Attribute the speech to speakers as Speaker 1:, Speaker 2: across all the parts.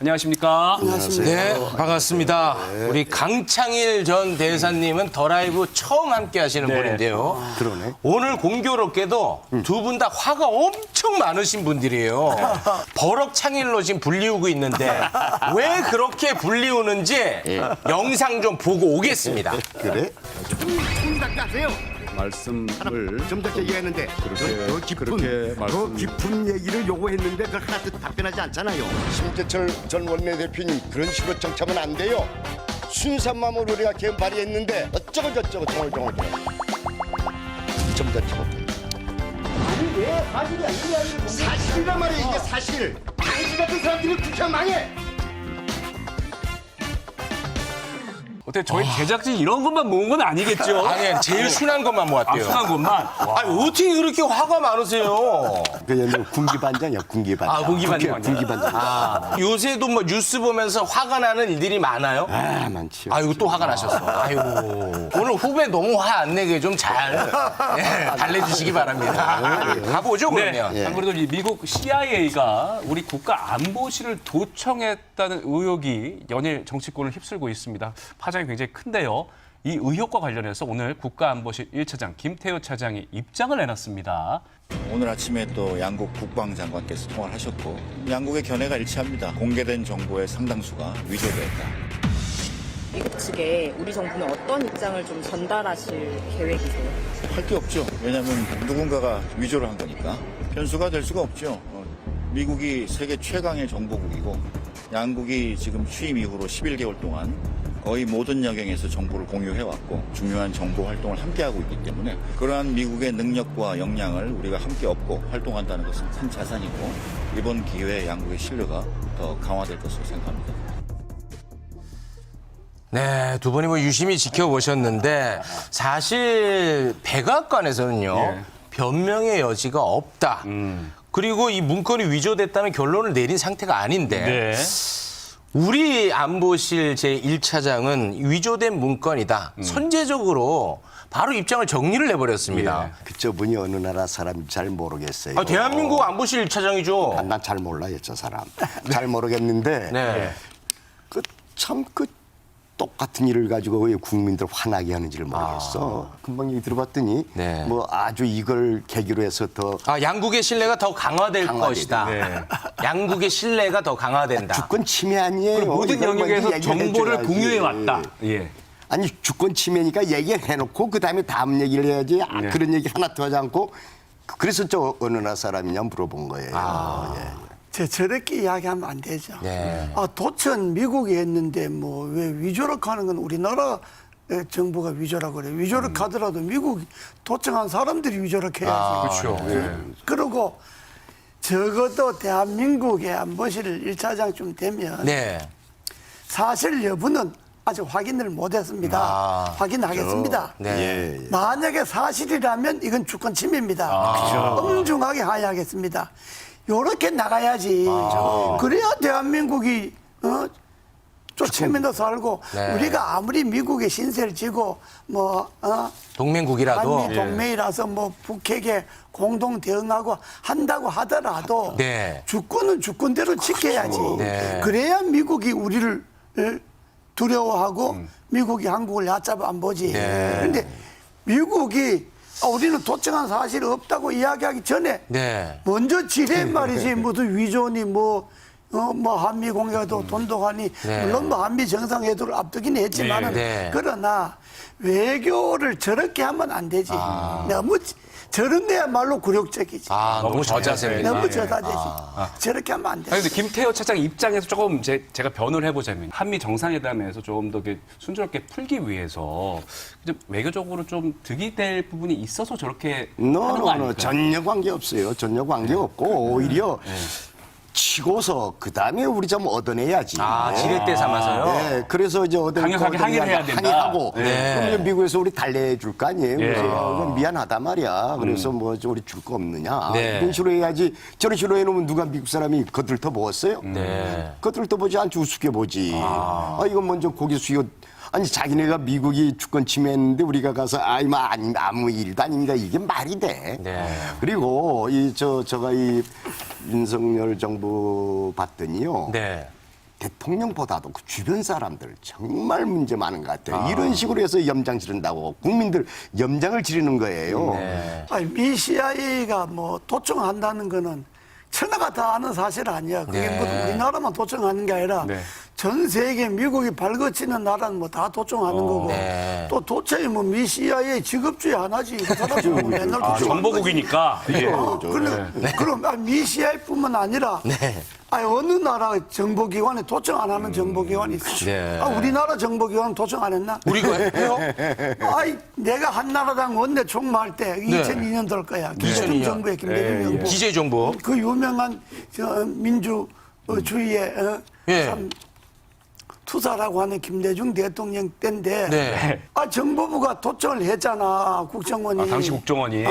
Speaker 1: 안녕하십니까?
Speaker 2: 네, 반갑습니다. 우리 강창일 전 대사님은 더 라이브 처음 함께 하시는 분인데요.
Speaker 3: 그러네.
Speaker 2: 오늘 공교롭게도 두 분 다 화가 엄청 많으신 분들이에요. 버럭 창일로 지금 불리우고 있는데 왜 그렇게 불리우는지 영상 좀 보고 오겠습니다.
Speaker 3: 그래?
Speaker 4: 생각하세요.
Speaker 5: 말씀을
Speaker 4: 좀 전에 얘기했는데
Speaker 5: 그렇게
Speaker 4: 더 깊은 얘기를 요구했는데 그걸 하나도 답변하지 않잖아요.
Speaker 3: 심재철 전 원내대표님 그런 식으로 정치하면 안 돼요. 순수한 마음으로 우리가 개헌 발의했는데 어쩌고 저쩌고 정얼정얼 좀 저쩌고.
Speaker 4: 아니 왜 사실이 아니냐? 사실이란 말이야 이게 사실. 당신 같은 사람들이 국회 망해.
Speaker 1: 어때 저희 제작진 이런 것만 모은 건 아니겠죠?
Speaker 2: 아니, 제일 순한 것만 모았대요.
Speaker 1: 순한 것만.
Speaker 2: 아니, 어떻게 그렇게 화가 많으세요?
Speaker 3: 그냥 군기반장이야 군기반장.
Speaker 2: 아, 군기반장.
Speaker 3: 군기반장.
Speaker 2: 요새도 뭐 뉴스 보면서 화가 나는 일들이 많아요?
Speaker 3: 아 많지요.
Speaker 2: 아이고 또 화가 나셨어. 아이고 오늘 후배 너무 화 안 내게 좀 잘 달래주시기 바랍니다. 가보죠
Speaker 1: 네.
Speaker 2: 그러면.
Speaker 1: 안 그래도 이 미국 CIA가 우리 국가안보실을 도청했다는 의혹이 연일 정치권을 휩쓸고 있습니다. 파장이 굉장히 큰데요. 이 의혹과 관련해서 오늘 국가안보실 1차장 김태호 차장이 입장을 내놨습니다.
Speaker 6: 오늘 아침에 또 양국 국방장관께서 통화를 하셨고 양국의 견해가 일치합니다. 공개된 정보의 상당수가 위조됐다.
Speaker 7: 미국 측에 우리 정부는 어떤 입장을 좀 전달하실 계획이세요?
Speaker 6: 할 게 없죠. 왜냐하면 누군가가 위조를 한 거니까. 변수가 될 수가 없죠. 미국이 세계 최강의 정보국이고 양국이 지금 취임 이후로 11개월 동안 거의 모든 영역에서 정보를 공유해왔고 중요한 정보 활동을 함께하고 있기 때문에 그러한 미국의 능력과 역량을 우리가 함께 얻고 활동한다는 것은 큰 자산이고 이번 기회에 양국의 신뢰가 더 강화될 것으로 생각합니다.
Speaker 2: 네, 두 분이 뭐 유심히 지켜보셨는데 사실 백악관에서는요 변명의 여지가 없다. 그리고 이 문건이 위조됐다는 결론을 내린 상태가 아닌데 우리 안보실 제1차장은 위조된 문건이다. 선제적으로 바로 입장을 정리를 해버렸습니다.
Speaker 3: 저분이 어느 나라 사람인지 잘 모르겠어요.
Speaker 2: 아, 대한민국 안보실 1차장이죠.
Speaker 3: 난 잘 몰라요 저 사람. 잘 모르겠는데
Speaker 2: 네.
Speaker 3: 참 똑같은 일을 가지고 왜 국민들 화나게 하는지를 모르겠어. 금방 얘기 들어봤더니
Speaker 2: 네.
Speaker 3: 뭐 아주 이걸 계기로 해서 더
Speaker 2: 양국의 신뢰가 더 강화될 것이다. 양국의 신뢰가 더 강화된다.
Speaker 3: 주권 침해 아니에요.
Speaker 1: 모든
Speaker 3: 이걸 먼저
Speaker 1: 영역에서
Speaker 3: 얘기를
Speaker 1: 정보를
Speaker 3: 해줘야지.
Speaker 1: 공유해 왔다. 예.
Speaker 3: 아니 주권 침해니까 얘기를 해놓고 그다음에 다음 얘기를 해야지. 그런 얘기 하나 더 하지 않고 그래서 저 어느 나라 사람이냐 물어본 거예요. 예.
Speaker 8: 저렇게 이야기하면 안 되죠.
Speaker 2: 네.
Speaker 8: 도천 미국이 했는데 뭐 왜 위조력 하는 건 우리나라 정부가 위조라고 그래요. 위조력 하더라도 미국 도청한 사람들이 위조력 해야지.
Speaker 1: 그렇죠.
Speaker 8: 그리고 적어도 대한민국의 안보실 1차장쯤 되면
Speaker 2: 네.
Speaker 8: 사실 여부는 아직 확인을 못했습니다. 확인하겠습니다.
Speaker 2: 네.
Speaker 8: 만약에 사실이라면 이건 주권 침해입니다. 엄중하게 하야하겠습니다. 요렇게 나가야지. 그래야 대한민국이 쫓으면서 살고 우리가 아무리 미국의 신세를 지고
Speaker 2: 동맹국이라도
Speaker 8: 한미 동맹이라서 뭐 북핵에 공동 대응하고 한다고 하더라도 주권은 주권대로 지켜야지. 그래야 미국이 우리를 두려워하고 미국이 한국을 얕잡아 안 보지. 그런데 미국이 우리는 도청한 사실이 없다고 이야기하기 전에 먼저 지뢰 말이지 무슨 위조니 뭐 한미 공약도 돈독하니 물론 뭐 한미 정상회담을 앞두긴 했지만은 그러나 외교를 저렇게 하면 안 되지. 너무 저런 데야말로 굴욕적이지.
Speaker 2: 너무 저자세입니다.
Speaker 8: 너무 저자되지. 저렇게 하면 안 돼.
Speaker 1: 아니, 근데 김태호 차장 입장에서 조금 제가 변호를 해보자면 한미 정상회담에서 좀 더 순조롭게 풀기 위해서 좀 외교적으로 좀 득이 될 부분이 있어서 저렇게 하는 거 아닐까요?
Speaker 3: 전혀 관계 없어요. 전혀 관계 없고 오히려 치고서 그다음에 우리 좀 얻어내야지.
Speaker 2: 지렛대 삼아서요?
Speaker 3: 네, 그래서 이제
Speaker 1: 강력하게 항의를 해야 된다.
Speaker 3: 항의하고 그럼 이제 미국에서 우리 달래줄 거 아니에요. 그래서 이건 미안하다 말이야. 그래서 뭐 우리 줄 거 없느냐. 이런 식으로 해야지. 저런 식으로 해놓으면 누가 미국 사람이 거들떠 보았어요? 거들떠 보지 않지 우습게 보지. 이건 먼저 고개 숙여. 아니 자기네가 미국이 주권 침해했는데 우리가 가서 아무 일도 아닙니다. 이게 말이 돼. 그리고 제가 이 윤석열 정부 봤더니요. 대통령보다도 그 주변 사람들 정말 문제 많은 것 같아요. 이런 식으로 해서 염장 지른다고 국민들 염장을 지르는 거예요.
Speaker 8: 아니, 미 CIA가 뭐 도청한다는 거는 천하가 다 아는 사실 아니야. 그게 뭐 우리나라만 도청하는 게 아니라
Speaker 1: 네.
Speaker 8: 전 세계 미국이 발거치는 나라는 뭐 다 도청하는 거고 또 도청이 뭐 미 CIA 직업주의 하나지. 그 사람들 뭐 맨날 도청하는
Speaker 1: 정보국이니까. 예.
Speaker 8: 그럼 미 CIA뿐만 아니라 어느 나라 정보기관에 도청 안 하는 정보기관이 있어. 우리나라 정보기관은 도청 안 했나?
Speaker 2: 우리가 해요?
Speaker 8: 내가 한나라당 원내 총무할 때 2002년 될 거야. 김대중 정부의 김대중 정부.
Speaker 2: 기재정보.
Speaker 8: 그 유명한 민주주의의 참 투사라고 하는 김대중 대통령 때인데 정보부가 도청을 했잖아. 국정원이.
Speaker 1: 당시 국정원이.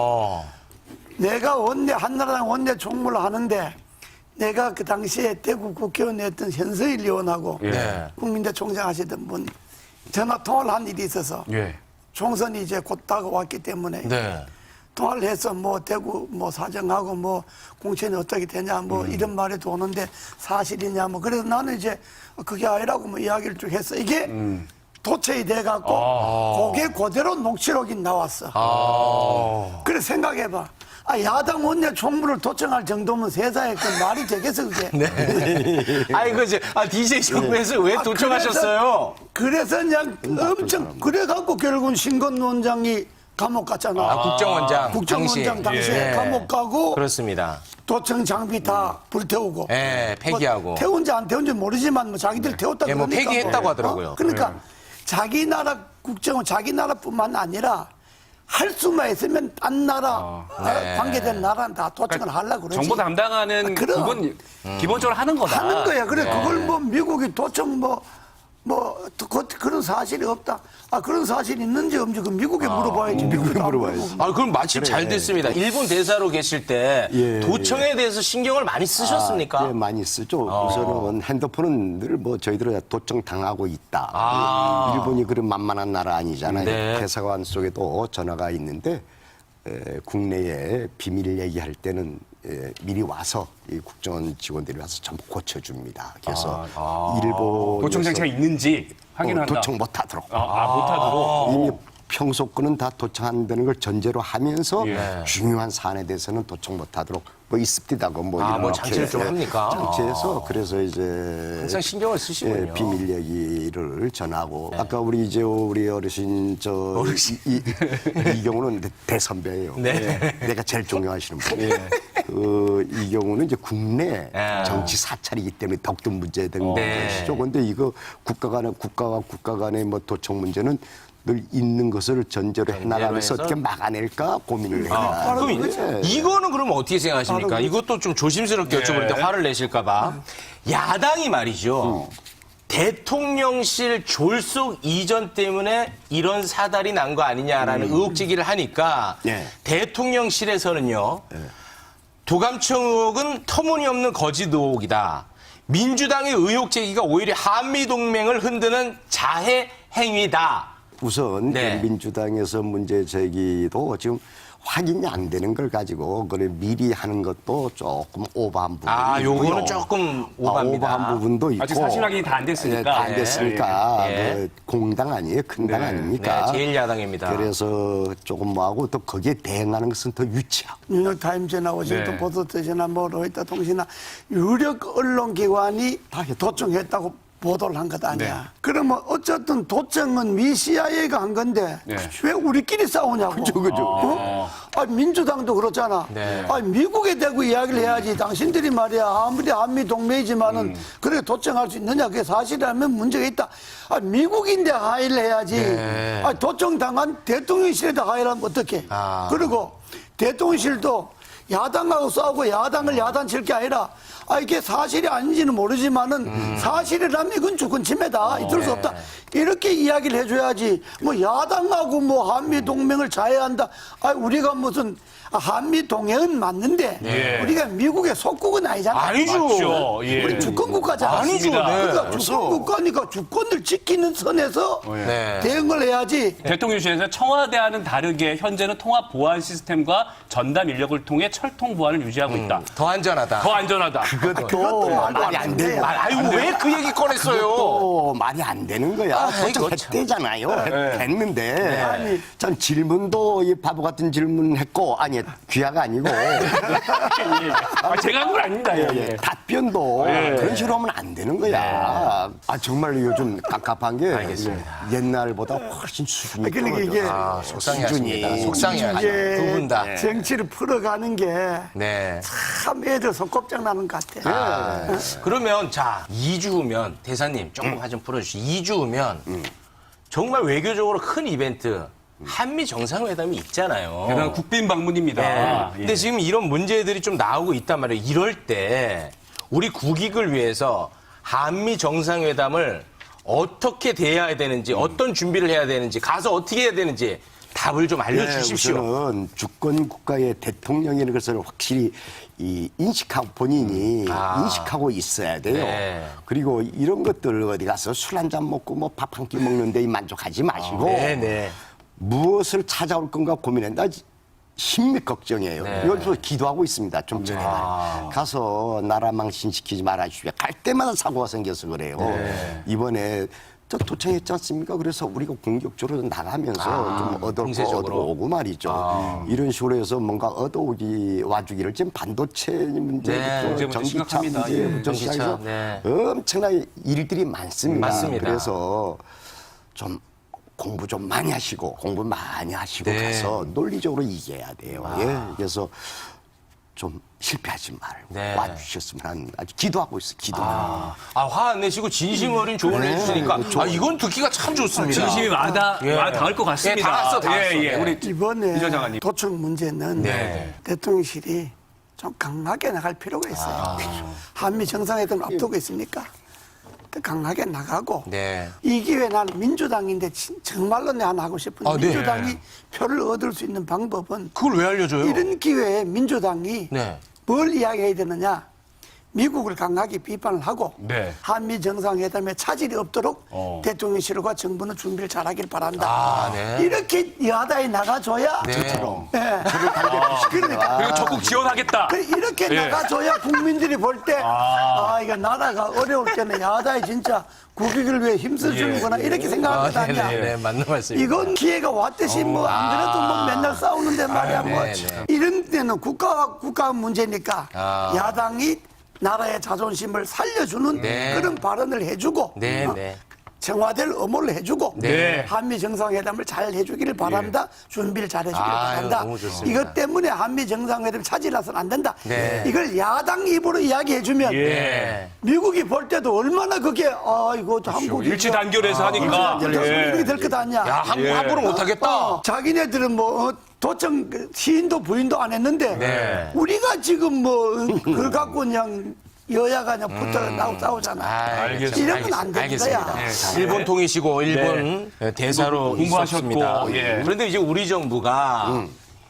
Speaker 8: 내가 한나라당 원내 총무를 하는데 내가 그 당시에 대구 국회의원에 했던 현서일 의원하고 국민대 총장 하시던 분 전화 통화를 한 일이 있어서 총선이 이제 곧 다가왔기 때문에 통화를 해서 뭐 대구 뭐 사정하고 뭐 공천이 어떻게 되냐 뭐 이런 말이 오는데 사실이냐 뭐 그래서 나는 이제 그게 아니라고 뭐 이야기를 쭉 했어. 이게 도체이 돼갖고 그게 그대로 녹취록이 나왔어. 그래 생각해봐. 야당 원내 총무를 도청할 정도면 세상에 그 말이 되겠어 그게.
Speaker 2: DJ 정부에서 왜 도청하셨어요?
Speaker 8: 그래서 그냥 엄청 그래갖고 결국은 신건 원장이 감옥 갔잖아.
Speaker 2: 국정원장.
Speaker 8: 국정원장 당시에 감옥 가고.
Speaker 2: 그렇습니다.
Speaker 8: 도청 장비 다 불태우고.
Speaker 2: 폐기하고.
Speaker 8: 뭐 태운지 안 태운지 모르지만 뭐 자기들 태웠다고
Speaker 2: 뭐
Speaker 8: 그러니까.
Speaker 2: 폐기했다고 하더라고요.
Speaker 8: 그러니까 자기 나라 국정원 자기 나라뿐만 아니라 할 수만 있으면 딴 나라 관계된 나라는 다 도청을 하려고 그러지.
Speaker 1: 정보 담당하는 그건 기본적으로 하는 거다.
Speaker 8: 하는 거야. 그래 그걸 뭐 미국이 도청 그런 사실이 없다. 그런 사실이 있는지 없는지 그 미국에 물어봐야지.
Speaker 3: 미국에 물어봐야지.
Speaker 2: 그럼 마침 잘 됐습니다. 일본 대사로 계실 때 도청에 대해서 신경을 많이 쓰셨습니까?
Speaker 3: 많이 쓰죠. 우선은 핸드폰은 늘 뭐 저희들 도청 당하고 있다. 일본이 그런 만만한 나라 아니잖아요. 대사관 속에도 전화가 있는데 국내에 비밀 얘기할 때는 미리 와서 이 국정원 직원들이 와서 전부 고쳐줍니다. 그래서 일본
Speaker 1: 도청 장치가 있는지 확인한다.
Speaker 3: 도청 못하도록.
Speaker 1: 못하도록.
Speaker 3: 이미 평소 거는 다 도청 안 되는 걸 전제로 하면서 중요한 사안에 대해서는 도청 못하도록 뭐 있습니다고
Speaker 2: 뭐 장치를 좀 합니까?
Speaker 3: 장치해서 그래서 이제
Speaker 2: 항상 신경을 쓰시군요.
Speaker 3: 비밀 얘기를 전하고 아까 우리 어르신 이 경우는 대선배예요. 내가 제일 존경하시는 분. 이 경우는 이제 국내 정치 사찰이기 때문에 더욱더 문제된 것이죠. 그런데 이거 국가와 국가 간의 뭐 도청 문제는 늘 있는 것을 전제로 해나가면서 어떻게 막아낼까 고민을 해요.
Speaker 2: 그럼 이거는 그럼 어떻게 생각하십니까? 이것도 좀 조심스럽게 여쭤볼 때 화를 내실까 봐. 야당이 말이죠. 대통령실 졸속 이전 때문에 이런 사달이 난 거 아니냐라는 의혹 제기를 하니까 대통령실에서는요. 도감청 의혹은 터무니없는 거짓 의혹이다. 민주당의 의혹 제기가 오히려 한미동맹을 흔드는 자해 행위다.
Speaker 3: 우선 민주당에서 문제 제기도 지금 확인이 안 되는 걸 가지고 그걸 미리 하는 것도 조금 오버한 부분이 있고요.
Speaker 2: 요거는 조금 오버합니다.
Speaker 3: 오버한 부분도 있고.
Speaker 1: 아직 사실 확인이 다 안 됐으니까.
Speaker 3: 다 안 됐으니까 그 공당 아니에요? 큰 당 아닙니까?
Speaker 2: 제일 야당입니다.
Speaker 3: 그래서 조금 뭐하고 또 거기에 대응하는 것은 더 유치하고.
Speaker 8: 뉴욕타임즈나 워싱턴 포스트지나 뭐 로이터 통신이나 유력 언론기관이 다 도청했다고 보도를 한 것 아니야. 그러면 어쨌든 도청은 미 CIA가 한 건데 왜 우리끼리 싸우냐고. 그죠. 민주당도 그렇잖아. 미국에 대고 이야기를 해야지. 당신들이 말이야 아무리 한미 동맹이지만은 그렇게 도청할 수 있느냐. 그게 사실이라면 문제가 있다. 미국인데 하의를 해야지. 도청당한 대통령실에다 하의를 하면 어떡해. 그리고 대통령실도 야당하고 싸우고 야당을 야단칠 게 아니라 이게 사실이 아닌지는 모르지만은 사실이라면 이건 주권 침해다. 있을 수 없다. 이렇게 이야기를 해줘야지. 뭐 야당하고 뭐 한미 동맹을 자해한다. 우리가 무슨 한미 동맹은 맞는데 우리가 미국의 속국은 아니잖아.
Speaker 2: 아니죠.
Speaker 8: 우리 주권 국가잖아.
Speaker 2: 아니죠.
Speaker 8: 그러니까 주권 국가니까 주권을 지키는 선에서 대응을 해야지.
Speaker 1: 대통령실에서 청와대와는 다르게 현재는 통합 보안 시스템과 전담 인력을 통해 철통 보안을 유지하고 있다.
Speaker 2: 더 안전하다.
Speaker 1: 더 안전하다.
Speaker 3: 그것도 말이 안 돼요.
Speaker 2: 아유 왜 그 얘기 꺼냈어요?
Speaker 3: 또 말이 안 되는 거야.
Speaker 2: 이거 참.
Speaker 3: 했대잖아요. 했는데 아니 전 질문도 이 바보 같은 질문했고 아니 귀하가 아니고
Speaker 1: 제가 한 건 아닙니다. 예.
Speaker 3: 답변도 그런 식으로 하면 안 되는 거야. 아 정말 요즘 깝깝한 게 옛날보다 훨씬 수준이
Speaker 8: 그러니까 이게
Speaker 2: 속상해하십니다. 속상해하죠.
Speaker 8: 이게
Speaker 2: 두 분 다.
Speaker 8: 정치를 풀어가는 게
Speaker 2: 네.
Speaker 8: 참 애들 속곱장 나는 것 같아.
Speaker 2: 그러면 자 2주 후면 대사님 조금 화 좀 풀어주시죠. 2주 후면 정말 외교적으로 큰 이벤트 한미 정상회담이 있잖아요.
Speaker 1: 대단한 국빈 방문입니다.
Speaker 2: 네.
Speaker 1: 예.
Speaker 2: 근데 지금 이런 문제들이 좀 나오고 있단 말이에요. 이럴 때 우리 국익을 위해서 한미 정상회담을 어떻게 대해야 되는지, 어떤 준비를 해야 되는지, 가서 어떻게 해야 되는지 답을 좀 알려주십시오.
Speaker 3: 우선은 주권 국가의 대통령이라는 것을 확실히 인식하고 본인이 인식하고 있어야 돼요.
Speaker 2: 네.
Speaker 3: 그리고 이런 것들 어디 가서 술 한 잔 먹고 뭐 밥 한 끼 먹는데 만족하지 마시고
Speaker 2: 네.
Speaker 3: 무엇을 찾아올 건가 고민한다. 심히 걱정이에요. 여기서 기도하고 있습니다. 좀 전에 가서 나라 망신시키지 말아주십시오. 갈 때마다 사고가 생겨서 그래요. 이번에 저 도청했지 않습니까? 그래서 우리가 공격적으로 나가면서 좀 얻어오고 말이죠. 이런 식으로 해서 뭔가 얻어오기 와주기를 지금 반도체 문제부터
Speaker 1: 문제
Speaker 3: 전기차
Speaker 1: 심각합니다.
Speaker 3: 문제부터
Speaker 2: 전기차,
Speaker 3: 시작해서
Speaker 2: 네.
Speaker 3: 엄청난 일들이 많습니다.
Speaker 2: 맞습니다.
Speaker 3: 그래서 좀 공부 좀 많이 하시고 가서 논리적으로 이겨야 돼요. 예. 그래서 좀 실패하지 말고 와주셨으면 하는 아주 기도하고 있어요. 기도하고.
Speaker 2: 화 안 내시고 진심 어린 조언을 해주시니까 이건 듣기가 참 좋습니다.
Speaker 1: 진심이 와닿을 것 같습니다.
Speaker 2: 다 왔어.
Speaker 1: 우리
Speaker 8: 이번에
Speaker 1: 이전 장관님.
Speaker 8: 도청 문제는 대통령실이 좀 강하게 나갈 필요가 있어요. 한미 정상회담을 앞두고 있으니까 더 강하게 나가고 이 기회에 나는 민주당인데 정말로 내가 하고 싶은 민주당이 표를 얻을 수 있는 방법은
Speaker 2: 그걸 왜 알려줘요?
Speaker 8: 이런 기회에 민주당이 뭘 이야기해야 되느냐. 미국을 강하게 비판을 하고 한미 정상회담에 차질이 없도록 대통령실과 정부는 준비를 잘하길 바란다. 이렇게 여하다에 나가줘야 저처럼. 그러니까
Speaker 1: 그리고 적극 지원하겠다.
Speaker 8: 이렇게 나가줘야 국민들이 볼 때 이거 나라가 어려울 때는 야다에 진짜 국익을 위해 힘써주는구나 이렇게 생각할 것 아니야.
Speaker 2: 맞는 말씀입니다.
Speaker 8: 이건 기회가 왔듯이 뭐 안 그래도 뭐 맨날 싸우는데 말이야. 뭐 이런 때는 국가 문제니까 야당이 나라의 자존심을 살려주는 그런 발언을 해주고 청와대를 엄호를 해주고 한미 정상회담을 잘 해주기를 바란다. 준비를 잘 해주기를 바란다. 이것 때문에 한미 정상회담이 차질나서는 안 된다. 이걸 야당 입으로 이야기해주면 미국이 볼 때도 얼마나 그게 이거 한국이
Speaker 1: 일치 단결해서 하니까
Speaker 8: 이렇게 될 것 아니야.
Speaker 2: 한국 함부로 못하겠다.
Speaker 8: 자기네들은 뭐 도청 시인도 부인도 안 했는데 우리가 지금 뭐 그걸 갖고 그냥 여야가 그냥 붙어 싸우잖아. 이러면 안 되는 거야.
Speaker 2: 일본 통이시고 일본 대사로 있었습니다. 그런데 이제 우리 정부가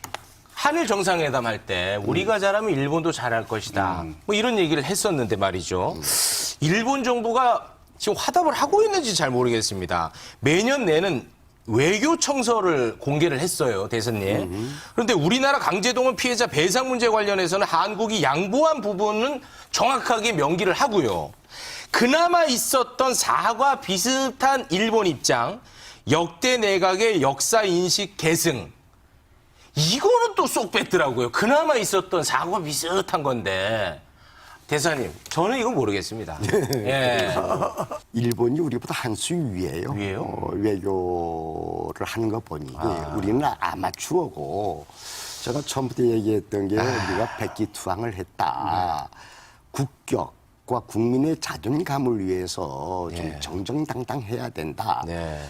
Speaker 2: 한일 정상회담 할 때 우리가 잘하면 일본도 잘할 것이다. 뭐 이런 얘기를 했었는데 말이죠. 일본 정부가 지금 화답을 하고 있는지 잘 모르겠습니다. 매년 내는 외교 청서를 공개를 했어요, 대선님. 그런데 우리나라 강제동원 피해자 배상 문제 관련해서는 한국이 양보한 부분은 정확하게 명기를 하고요. 그나마 있었던 사과 비슷한 일본 입장, 역대 내각의 역사 인식 계승. 이거는 또 쏙 뺐더라고요. 그나마 있었던 사과 비슷한 건데. 대사님, 저는 이건 모르겠습니다.
Speaker 3: 일본이 우리보다 한 수 위예요. 외교를 하는 거 보니 우리는 아마추어고 제가 처음부터 얘기했던 게 우리가 백기투항을 했다. 국격과 국민의 자존감을 위해서 좀 정정당당해야 된다.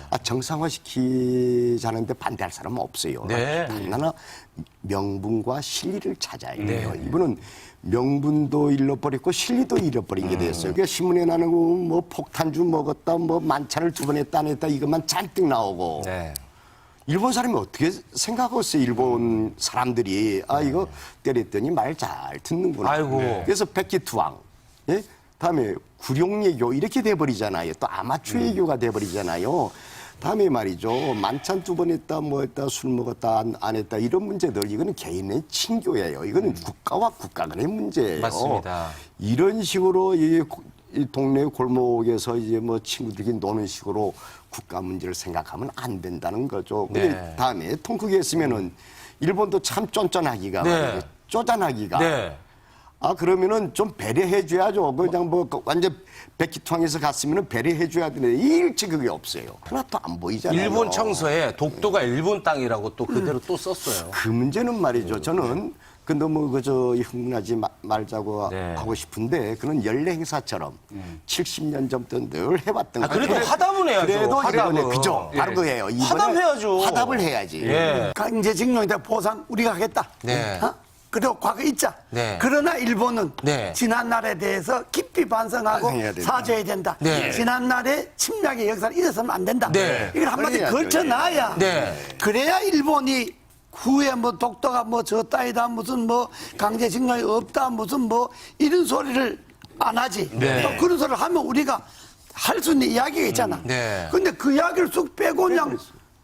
Speaker 3: 정상화시키자는데 반대할 사람은 없어요. 단 하나 명분과 실리를 찾아야 돼요. 이분은 명분도 잃어버렸고 실리도 잃어버린 게 됐어요. 그러니까 신문에 나는 뭐 폭탄주 먹었다, 뭐 만찬을 2번 했다 안 했다 이것만 잔뜩 나오고. 일본 사람이 어떻게 생각했어요? 일본 사람들이 이거 때렸더니 말 잘 듣는구나. 그래서 백기투항, 다음에 구룡예교 이렇게 돼버리잖아요. 또 아마추어 예교가 돼버리잖아요. 다음에 말이죠. 만찬 2번 했다, 뭐 했다, 술 먹었다, 안 했다 이런 문제들 이거는 개인의 친교예요. 이거는 국가와 국가 간의 문제예요.
Speaker 2: 맞습니다.
Speaker 3: 이런 식으로 이 동네 골목에서 이제 뭐 친구들끼리 노는 식으로 국가 문제를 생각하면 안 된다는 거죠. 근데
Speaker 2: 네.
Speaker 3: 다음에 통 크게 했으면은 일본도 참 쫀쫀하기가
Speaker 2: 네.
Speaker 3: 쪼잔하기가.
Speaker 2: 네.
Speaker 3: 아 그러면은 좀 배려해 줘야죠. 그냥 뭐 완전 백기통에서 갔으면은 배려해 줘야 되는데 일찍 그게 없어요. 하나도 안 보이잖아요.
Speaker 2: 일본 청서에 독도가 일본 땅이라고 또 그대로 또 썼어요.
Speaker 3: 그 문제는 말이죠. 저는 그 너무 그저 흥분하지 말자고
Speaker 2: 네.
Speaker 3: 하고 싶은데 그런 연례 행사처럼 70년 전부터 늘 해왔던
Speaker 2: 아, 그래도
Speaker 3: 거예요.
Speaker 2: 화답은 해야죠.
Speaker 3: 그래도
Speaker 2: 화답은.
Speaker 3: 이번에 그죠. 바로 그예요. 이번에
Speaker 2: 화답해야죠.
Speaker 3: 화답을 해야지.
Speaker 2: 예.
Speaker 8: 강제징용에 대한 보상 우리가 하겠다.
Speaker 2: 네.
Speaker 8: 어? 그리고 과거 잊자.
Speaker 2: 네.
Speaker 8: 그러나 일본은
Speaker 2: 네.
Speaker 8: 지난날에 대해서 깊이 반성하고
Speaker 3: 반성해야 된다.
Speaker 8: 사죄해야 된다.
Speaker 2: 네.
Speaker 8: 지난날의 침략의 역사를 잊어서는 안 된다.
Speaker 2: 네.
Speaker 8: 이걸 한마디
Speaker 3: 그래야죠.
Speaker 8: 걸쳐놔야
Speaker 2: 네.
Speaker 8: 그래야 일본이 후에 뭐 독도가 뭐 저 따위다 무슨 뭐 강제징용이 없다 무슨 뭐 이런 소리를 안 하지.
Speaker 2: 네.
Speaker 8: 또 그런 소리를 하면 우리가 할 수 있는 이야기가 있잖아.
Speaker 2: 네.
Speaker 8: 근데 그 이야기를 쑥 빼고 그냥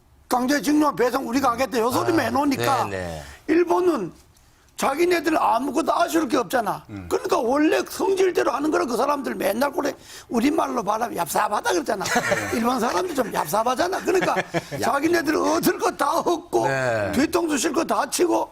Speaker 8: 강제징용 배상 우리가 하겠다 요 소리만 해놓으니까
Speaker 2: 네, 네.
Speaker 8: 일본은 자기네들 아무것도 아쉬울 게 없잖아. 그러니까 원래 성질대로 하는 거라 그 사람들 맨날 그래 우리말로 말하면 얍삽하다 그러잖아. 일본 사람들 좀 얍삽하잖아. 그러니까 자기네들 얻을 거 다 얻고
Speaker 2: 네.
Speaker 8: 뒤통수 실 거 다 치고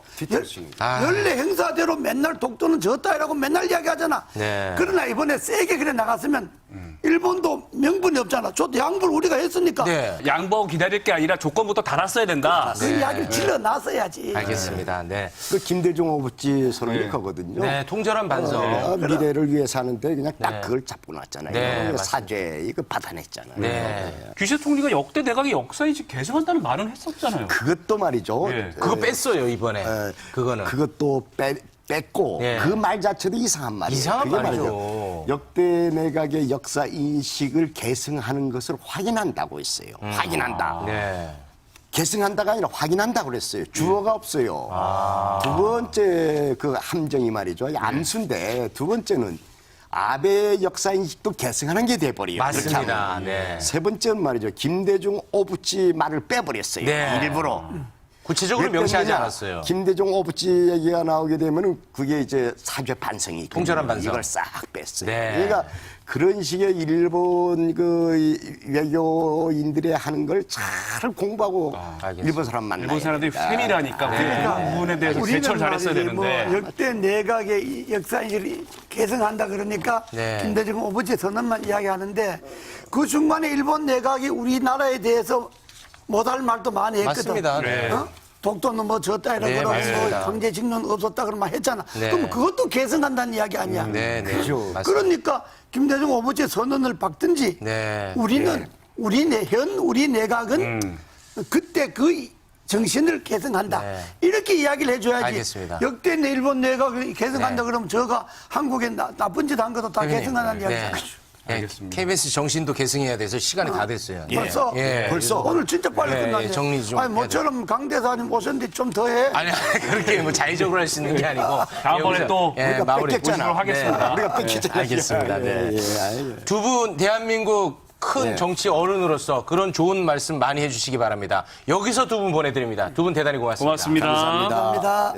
Speaker 8: 연례 행사대로 맨날 독도는 졌다이라고 맨날 이야기하잖아.
Speaker 2: 네.
Speaker 8: 그러나 이번에 세게 그래 나갔으면 일본도 명분이 없잖아. 저도 양보를 우리가 했으니까
Speaker 2: 네.
Speaker 1: 양보 기다릴 게 아니라 조건부터 달았어야 된다.
Speaker 8: 그 이야기를 질러놨어야지.
Speaker 2: 알겠습니다. 네.
Speaker 3: 그 김대중 오부지 선언이 거거든요.
Speaker 2: 네, 통절한 반성.
Speaker 3: 미래를 위해서 하는데 그냥 딱
Speaker 2: 네.
Speaker 3: 그걸 잡고 놨잖아요.
Speaker 2: 네,
Speaker 3: 그래서
Speaker 2: 맞습니다.
Speaker 3: 사죄 이거 받아냈잖아요.
Speaker 2: 네.
Speaker 1: 귀세 총리가 역대 내각의 역사인지 계승한다는 말은 했었잖아요.
Speaker 3: 그것도 말이죠.
Speaker 1: 예.
Speaker 2: 그거 뺐어요, 이번에. 그거는.
Speaker 3: 그것도 뺐고
Speaker 2: 예.
Speaker 3: 그 말 자체도 이상한 말이에요.
Speaker 2: 이상한
Speaker 3: 그게
Speaker 2: 말이죠.
Speaker 3: 역대 내각의 역사 인식을 계승하는 것을 확인한다고 했어요. 확인한다.
Speaker 2: 네.
Speaker 3: 계승한다가 아니라 확인한다고 그랬어요. 주어가 없어요. 두 번째 그 함정이 말이죠. 암수인데 두 번째는 아베 역사 인식도 계승하는 게 돼버려요. 그렇게
Speaker 2: 맞습니다.
Speaker 3: 하면.
Speaker 2: 네.
Speaker 3: 세 번째는 말이죠. 김대중 오부치 말을 빼버렸어요.
Speaker 2: 네.
Speaker 3: 일부러.
Speaker 2: 구체적으로
Speaker 3: 왜
Speaker 2: 명시하지
Speaker 3: 뺐느냐?
Speaker 2: 않았어요.
Speaker 3: 김대중 오부치 얘기가 나오게 되면은 그게 이제 사죄 반성이 있거든요.
Speaker 2: 통절한 반성.
Speaker 3: 이걸 싹 뺐어요.
Speaker 2: 네.
Speaker 3: 그러니까 그런 식의 일본 그 외교인들의 하는 걸 잘 공부하고
Speaker 2: 알겠습니다.
Speaker 3: 일본 사람 만나야
Speaker 1: 일본 사람들이
Speaker 3: 됩니다.
Speaker 1: 세밀하니까 그 부분에 대해서
Speaker 8: 우리는
Speaker 1: 대처를 잘했어야
Speaker 8: 말이지 뭐
Speaker 1: 되는데.
Speaker 8: 역대 내각의 역사인식을 계승한다 그러니까
Speaker 2: 네.
Speaker 8: 김대중 오부지 선언만 이야기하는데 그 중간에 일본 내각이 우리나라에 대해서 못할 말도 많이 했거든.
Speaker 2: 맞습니다. 네.
Speaker 8: 어? 독도는 뭐 졌다 이러고
Speaker 2: 네,
Speaker 8: 그러고
Speaker 2: 맞습니다.
Speaker 8: 뭐 강제징용 없었다 그런 말 했잖아.
Speaker 2: 네.
Speaker 8: 그럼 그것도 계승한다는 이야기 아니야.
Speaker 2: 네, 네. 맞습니다.
Speaker 8: 그러니까 김대중 오부지 선언을 박든지
Speaker 2: 네.
Speaker 8: 우리는 우리 내각은 그때 그 정신을 계승한다.
Speaker 2: 네.
Speaker 8: 이렇게 이야기를 해줘야지.
Speaker 2: 알겠습니다.
Speaker 8: 역대 일본 내각을 계승한다
Speaker 2: 네.
Speaker 8: 그러면 저가 한국에 나쁜 짓 한 것도 다 계승한다는 이야기잖아.
Speaker 1: 알겠습니다.
Speaker 2: KBS 정신도 계승해야 돼서 시간이 다 됐어요.
Speaker 8: 벌써
Speaker 2: 예.
Speaker 8: 벌써 오늘 진짜 빨리
Speaker 2: 예,
Speaker 8: 끝났네.
Speaker 2: 예, 정리 좀
Speaker 8: 아니 모처럼 강 대사님 오셨는데 좀 더 해.
Speaker 2: 아니, 그렇게 뭐 자의적으로 할 수 있는 게 아니고.
Speaker 1: 다음번에
Speaker 2: 여기서,
Speaker 1: 또
Speaker 2: 예,
Speaker 3: 우리가
Speaker 2: 마무리
Speaker 3: 뺏겼잖아.
Speaker 2: 보시도록 하겠습니다.
Speaker 1: 네.
Speaker 3: 우리가 뺏기잖아요.
Speaker 2: 알겠습니다. 네.
Speaker 3: 아이고.
Speaker 2: 두 분 대한민국 큰 정치 어른으로서 그런 좋은 말씀 많이 해주시기 바랍니다. 여기서 두 분 보내드립니다. 두 분 대단히 고맙습니다.
Speaker 1: 고맙습니다.
Speaker 8: 감사합니다.